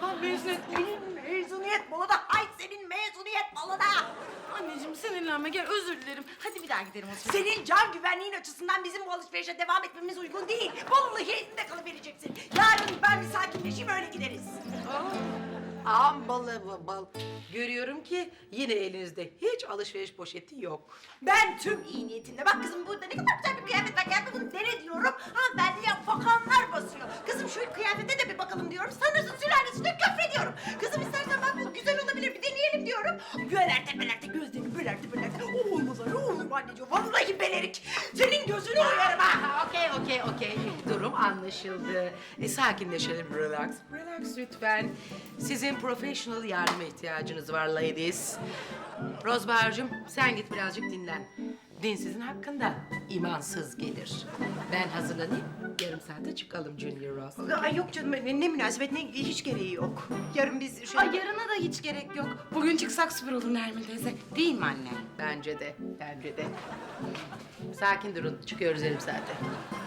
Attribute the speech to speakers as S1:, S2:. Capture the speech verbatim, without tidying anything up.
S1: Ha, mezuniyet.
S2: Mezuniyet balona, hay senin mezuniyet balona.
S1: Anneciğim sinirlenme, gel özür dilerim. Hadi bir daha gidelim o zaman.
S2: Senin can güvenliğin açısından bizim bu alışverişe devam etmemiz uygun değil. Vallahi elinde kalıvereceksin. Yarın ben bir sakinleşeyim, öyle gideriz.
S3: Ağam balı bal, bal. Görüyorum ki yine elinizde hiç alışveriş poşeti yok.
S2: Ben tüm iyi niyetimle, bak kızım burada ne kadar güzel bir kıyafet var, gel bunu dene diyorum. Hanımefendiye bakanlar basıyor. Kızım şu kıyafete de bir bakalım diyorum. Sanırsın sülalesine küfrediyorum. Kızım istersen bak bu güzel olabilir, bir deneyelim diyorum. Bölerte bölerte gözlerini bölerte bölerte. O olmaz öyle olur mu anneciğim? Vallahi belerik. Senin gözünü oyarım ha.
S3: Ha, okey, okey, okey. Durum anlaşıldı. E, sakinleşelim, relax. Relax lütfen. Sizin professional yardıma ihtiyacınız var ladies. Rozbahar'cığım sen git birazcık dinlen. Dinsizin hakkında imansız gelir. Ben hazırlanayım, yarım saate çıkalım Junior Rose.
S2: Ay yok canım, ne, ne münasebet, ne hiç gereği yok. Yarın biz şöyle...
S1: Ay yarına da hiç gerek yok. Bugün çıksak süper olur Nermin teyze. Değil mi anne?
S3: Bence de, bence de. Sakin durun, çıkıyoruz yarım saate.